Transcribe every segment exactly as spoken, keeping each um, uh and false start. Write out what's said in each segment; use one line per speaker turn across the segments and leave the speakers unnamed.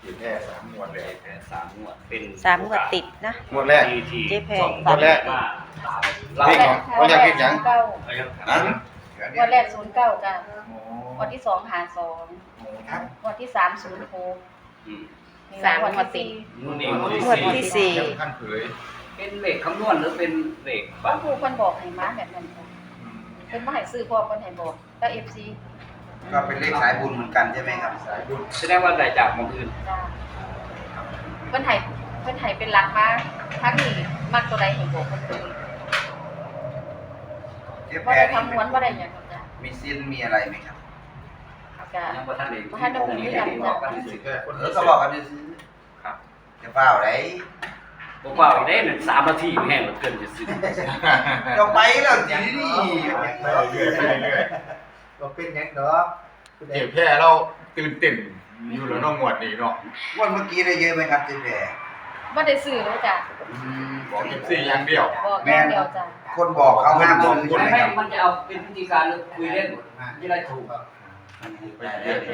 เจ็บแค่สามงวดเลย
แพ้สามงวดเป็น
สามงวดติดนะ
งวดแรก
ที่
เจ๊แพร
สอง
งวดแรก
มาเรา
เลขของงวดแรกเลขหยัง
เก้า
นะ
วันแรกศูนย์เก้ากันวันที่สองหาสอง
ครับ
วันที่สามศูนย์หก
อืม
สามงวดติด
งวดนี้
งวดที่สี่
ท่านเผย
เป็นเลขคำนวณหรือเป็นเลข
บา
บั
ง
ตร
ครูเพิ่นบอกให้มาแบบนั้นค่ะเพิ่นบ่ให้ซื้อเพราะเพิ่นให้บอกก็ เอฟ ซี
ก็เป็นเลขสายบุญเหมือนกันใช่ไหมครับ
สายบุญ
แสดงว่าได้จากหมองอื่น
จ้าเพิ่นให้เพิ่นให้เป็นหลักมาทั้งนี้มักตัวใดให้บอกเพิ่นเลย
เจ๊แพ
บ่
ร
ได้
นี่
คำนวณบ่ได้หยังหรอกจ้ะ
มีซินมีอะไรไหมครับ
ก็
ยังบ่ทันได้
บ่ทันได้มีกันจ้ะ
บอกกัน
เจ็
สิ
บแค่คน
เออเขาบอกกันจะซื้อ
ครับ
จะเปล่าไร
บอกว่าอีกได้หนึ่งสามนาทีแห้งเหลือเกินจะซื้อ
จะไปแล้วจีนี่
ไปเรื่อยๆไปเรื่อย
ก็เป็นยังเนาะ
ๆเจ็บแค่เราตื่นเต้นอยู่แล้วเน้องงวดนี้เนาะ
วันเมื่อกี้ได้เยอะไหมครับเจ๊แพร
บ่ได้ซื้อเลยจ้ะ
บอกเอฟซีอย่างเดียว
บอกอย่างเดียวจ้ะ
คนบอกเขาห้ามซื้อ
คน
ใช่ไหม
ไม่
ครับ
มันจะเอาเป็นพิธีการหรือคุยเล่นที่ไรถูก
ไปเรื่อย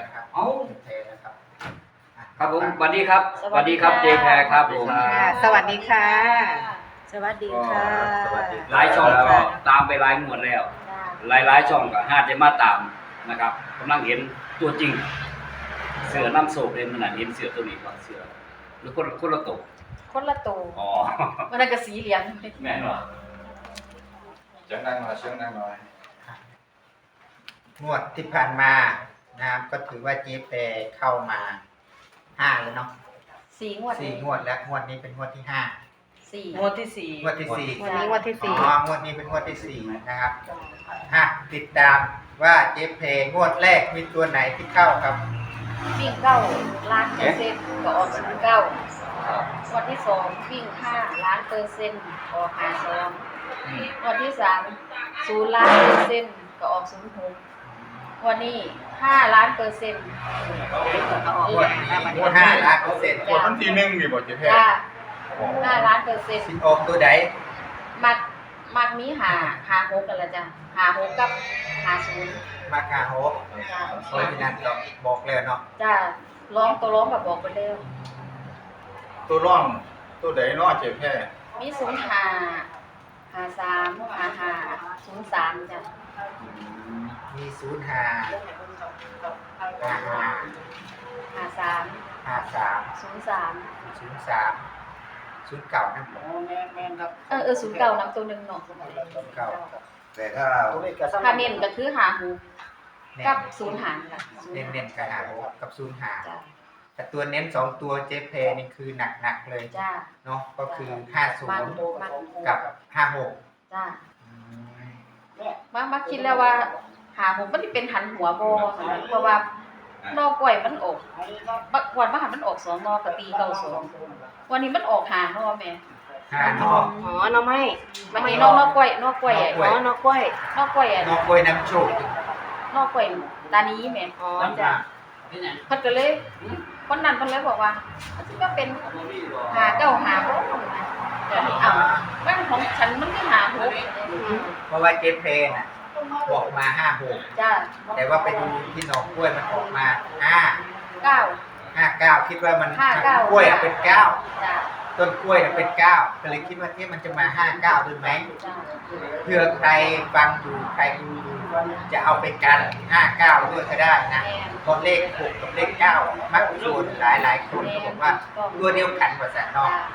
เอ้าครับผมสวัสดีครับสวัสดีครับเจแพรครับผม
ค่ะสวัสดีค่ะ สวัสดีค่ะ
หลายช่องก็ตามไปหลายงวดแล้ว
จ้า
หลายหลายๆช่องก็ห้าจะมาตามนะครับกำลังเห็นตัวจริง เสือน้ำโศกเลยมันน่ะเห็นเสือตัวนี้ก่อนเสือหรือคนคนละตัว
คนละตัว
อ๋อ
มันนั้นก็สีเหลือง
แม่นว่ะ
ๆจะนั่งหน่อยเชื่อนั่งหน่อย
งวดที่ผ่านมานะครับก็ถือว่าเจ๊แพรเข้ามาห้าแล้วเนาะ
สีงวด
สี่งวดแล้วงวดนี้เป็นงวดที่ห้า
สี่
งวดที่สี่
งวดที่สี่
วันนี้งวดที่สี่
อ๋องวดนี้เป็นงวดที่สี่นะครับ
จ้า
ฮะติดตามว่าเจ๊แพรงวดแรกมีตัวไหนที่เข้าครับ
วิ่งเก้าล้านเปอร์เซ็นต์ก็ออกศูนย์เก้าวันที่สองวิ่งห้าล้านเปอร์เซ็นต์ออกห้าสองวันที่สามศูนย์ล้านเปอร์เซ็นต์ก็ออกศูนย์หกวันนี้ห้าล้านเปอร์เซ็นต์
งวดนี้งวดห้าล้านเปอร์เซ็นต์
งวดวันที่หนึ่งมีบอกเจ็บแค่
จ้าห้าล้านเปอร์เซ็นต์
สิออกตัวใด
มักมักมีหาหาหกกันละจ้ะหาหกกับหาศูนย์
มาคาโฮ
จ้า
เพราะฉะนั้นก็บอกแล้วเนาะ
จ้าร้องตัวร้องแบบบอกไปเร็ว
ตัวร่องตัวใดเนาะเจ็บแค่
มีศูนย์หาหาสามหาหาศูนย์สามจ้ะ
มีศูนย์ห้าห้าห้า
หาสาม
ห้าสาม
ศูนย์สาม
ศูนย์สามศูนย์เก่านะผม
เออเออศูนย์เก้านำตัวหนึ่งเนาะ
เก่า
แต่ถ้า
ถ้าเน้นก็คือหาหูกับศูนย์หารค่ะ
เน้นเน้นๆกับหาหกกับศูนย์หา
จ้า
แต่ตัวเน้นสองตัวเจเพนี่คือหนักๆเลย
จ้า
เนาะก็คือห้าศู
มัน
นย์
มัน
กับห้าหก
จ้ามามาคิดแล้วว่าหาหูมันสิเป็นหันหัวบ่เพราะว่านอกล้วยมันออกบักวันมาหันมันออกสองนอกก็ตีเก้าสองวันนี้มันออกหานอแม่
ห้านอก
อ๋อน้องไม้
วันนี้นอกนอกกล้วยนอกกล้วย
นอกกล้
อ๋
วย
อน้องกล้วย
นอกกล้วยอ่ะ
นอกกล้วยน้ำโชค
นอกกล้วยตานี้แม่
อ๋อ
จ้าเพิ่นก็เลยคนนั้นเพิ่นเลยบอกว่ามันสิก็เป็นหาเก้าหาบ่จ้ะนี่เอามันของฉันมันคือหาหก
อืม
เพราะว่าเจเพน่ะบอกมาห้าหก
จ้า
แต่ว่าไปดูที่หนองกล้วยมันออกมาห้า
เก้า
ห้าเก้าคิดว่ามัน
ห้าเก้าก
ล้วยอะเป็นเก้า
จ้า
ต้นกล้วยน่ะเป็นเก้าก็เลยคิดว่าเอ๊ะมันจะมาห้าเก้าด้วยไหม
จ้า
เพื่อใครฟังอยู่ใครดูอยู่จะเอาไปกันห้าเก้าด้วยก็ได้นะ
แม่น
เพราะเลขหกกับเลขเก้ามักส่วนหลายหลายๆคนก็บอกว่าตัวเดียวกันกว่าแสนนอก
จ้า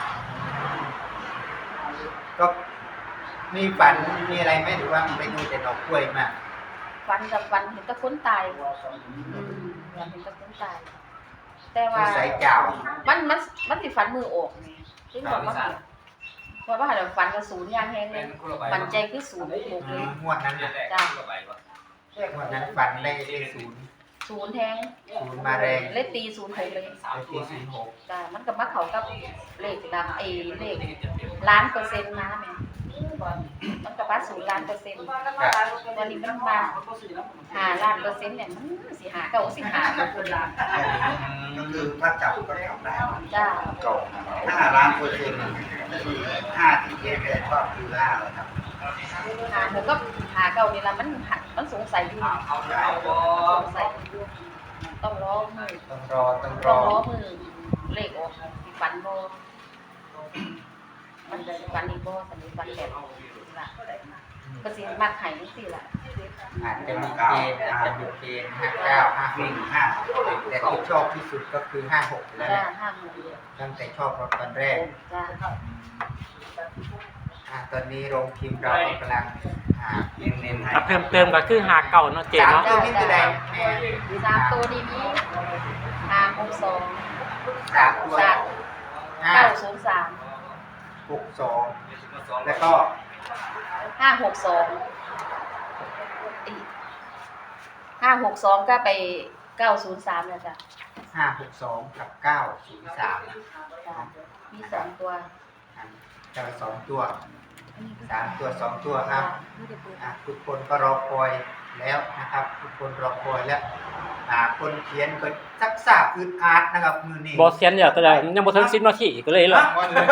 ก็มีฝันมีอะไรไหมหรือว่าไปดูแต่ดอกกล้วยมา
ฟันกับฟันเห็นแตะคนตายอืมเห็นแตะคนตาย แต่ว่า
สายเก่า
มันมันมันสิฟันมือออกไงซึ่งบอกว่าเพราะว่าเดี๋ยวฟันกระสุนยางแห้งเลยมันใจคือศูนย์หกเลย
งวดนั้นน่ะ
จ้า
งวดนั้นฝันได้เลขศูนย์
ศูนย์แทง
ศูนย์มาแรง
เลขตีศูนย์หกเลย
เลขที่ศูนย์หก
จ้ามันกับมาเขากับเลขดังเอเลขล้านเปอร์เซ็นต์นะแม่มันกับมาศูนย์ล้านเปอร์เซ็นต์วันนี้มันมาหาล้านเปอร์เซ็นต์เนี่ยมันสิหาเก่าสิหากับคนล้าน
ก็คือถ้าจับก็จับได้
จ้า
เก่า
ห้าล้านเปอร์เซ็นต์คือห้าที่เจ๊แพรชอบคือห้าเลยครับ
หาหนูก็หาเก่านี่ละมันหัดมันสงสัยอยู่สงสัยอยู่ต้องรอมือ
ต้องรอต้องร
ต้อง
อ
รอมือเลขออกสิฟันบ่มันจะสิฟันอีกบ่สันนิฟันแบบล่ะก็สิมักให้จังซี่ล่ะ
อาจจะมีเกณฑ์อาจจะมีเกณฑ์ห้าเก้าห้าห
วิ่ง
ก
ห้า
แต่ที่ชอบที่สุดก็คือห้าหกแล้ว
จ้า
นะ
ห้าหมื่น
ตั้งแต่ชอบรถตอนแรก
จ้า
อ่าตอนนี้โรงพิมพ์เรากำลังอ่า
เน้นเน้นให้
ถ้าเพิ่มเติมก็คือหาเก่าเนาะเจ
สาม
เนาะ
ตัวนี้คือใดแม่
สามตัวนี้มีห้าหกสอง
สามตัว
สาม
ห้า
เก้าศูนย์สาม
หกสองแล้วก็
ห้าหกสองห้าหกสองก็ไปเก้าศูนย์สามนะจ้ะ
ห้าหกสองกับเก้าศูนย์สาม
จ้ะมีสองตัว
จะสองตัวสามตัวสองตัวครับอ่ะทุกคนก็รอคอยแล้วนะครับ ทุกคนรอคอยแล้วอ่าคนเขียนก็ซักซากอึดอัดนะครับมือนี้
บอสเซียนเนี่ยแต่ยังบ่ถึงสิบนาทีก็เลยเลย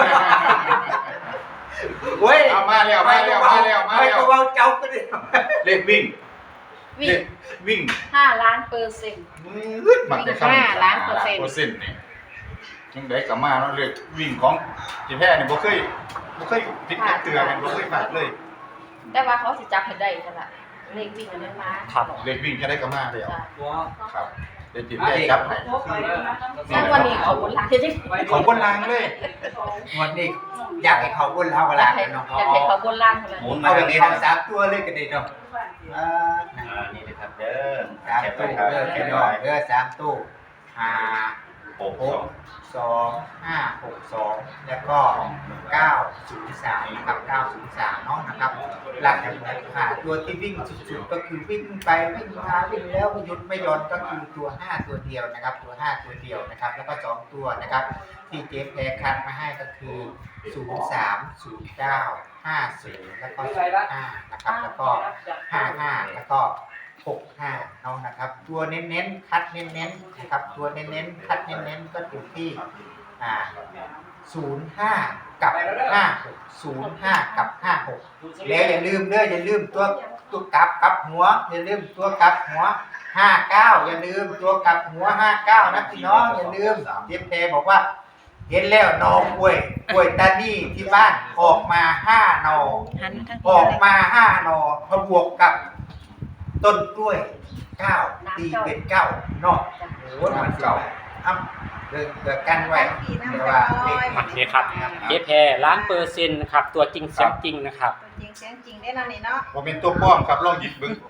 เว้ย
เอามาแล้วมาแล้วมาแล้วมา
ไม่
แล้ว
ก็เว้าเจ้าก็ได้
เลขวิ่ง
วิ่
เล
ง
ขวิ่ง
ห้าล้านเปอร์เซ็นต์
มืดมันจะเข้า
ห้าล้านเปอร์เซ็นต์
เปอร์เซ็นต์นี่ยังได้กลับมาเนาะเลขวิ่งของจีแพ้นี่บ่เคยบ่เคยติดกระเตือนบ่เคยพลาดเลย
แต่ว่าเขาสิจับให้ได้จ้ะล่ะเลขวิ่งอันนั้นมา
ครับ
เลขวิ่งจะได้กลับมาแล้ว
จ้ะ
ครับเดี๋ยวจีแพ้จับให้
แล้ววันนี้เขาบนหลังจะได้
ของคนลางเลย
งวดนี้อยากให้เขาบนเราเวลาย
อากให้
เนาะ
อยากให้เขาบนล่างเท่านั้น
หมุน
เอา
มา
แบ
ตร
บ
ง
นี้
นี้
ทั้งสามตัวเลยก็ได้เนาะอ่า
อ่านี่นะครับเด้อ
สามตู้เด้อพี่น้องเด้อสามตู้ห้า
หก
ห
สอก ง
สองห้าหกสองแล้วก็เก้าศูนย์สามนะครับเก้าศูนย์สามเนาะนะครับ หลักหาตัวที่วิ่งสุดๆก็คือวิ่งไปวิ่งมาวิ่งแล้วไม่หยุดไม่หย่อนก็คือตัวห้าตัวเดียวนะครับ ตัวห้าตัวเดียวนะครับ แล้วก็สองตัวนะครับ ที่เจฟแพรคัดมาให้ก็คือศูนย์สามศูนย์เก้าห้าศูนย์แล้วก็ศูนย์ห้านะครับ แล้วก็ห้าห้าแล้วก็หกห้าเนาะนะครับ ตัวเน้นๆคัดเน้นๆนะครับ ตัวเน้นๆคัดเน้นๆก็อยู่ที่อ่าศูนย์ห้ากับห้าหกศูนย์ห้ากับห้าหกแล้วอย่าลืมเด้ออย่าลืมตัวตัวกลับกลับหัว อย่าลืมตัวกลับหัวห้าเก้าอย่าลืมตัวกลับหัวห้าเก้านะพี่น้องอย่าลืมเจฟแพรบอกว่า เห็นแล้วหนอกล้วยกล้วยตานี่ที่บ้านออกมาห้าหนอ
หันทั้ง
ออกมาห้าหนอพอบวกกับต้นกล้วยเก้าตีเป็นเก้าเนอกโอ้โหมันเก่าอ้ำเดินเกิดกันไว้เดี๋ยวว่าเลข
โอเคครับเจแพรล้านเปอร์เซ็นต์นะครับตัวจริงเสียงจริงนะครับ
จริงเสียงจริงได้แล้วนี่เนาะ
บ่เป็นตัวป้อมครับลองหยิบเบิ่ง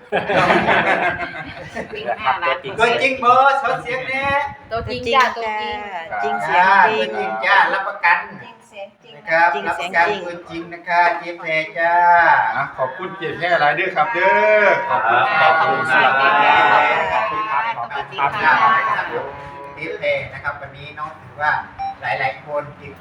วิ่งห้าล้านเปอร์
ตัว
เซ็น
จริง
ต์
เบอร์เขาเสียงแน่
ตัวจ
จ
ริ
ริ
ง
ง
จ้า
จ้า
ตัวจริง
จริงเสียง
อ่า
จริ
ตัว
ง
จริงจ้ารับประกัน
จริงเสียงจริง
นะครับ
จริง
รับป
เสียง
ระกัน
จริง
ตัวจริงนะคะเจฟแพรจ้า
อ่ะขอบคุณเจแพ้หลายเด้อครับเด้อขอบคุณ
ขอบ
ขอบ
คุ
คุณ ณ
ค
ค
รั
รับ บ
ขอบคุณครับ
ขอบคุณ
ค
ครั
รับบ เจฟแพรนะครับวันนี้น้องถือว่าหลายๆคนติด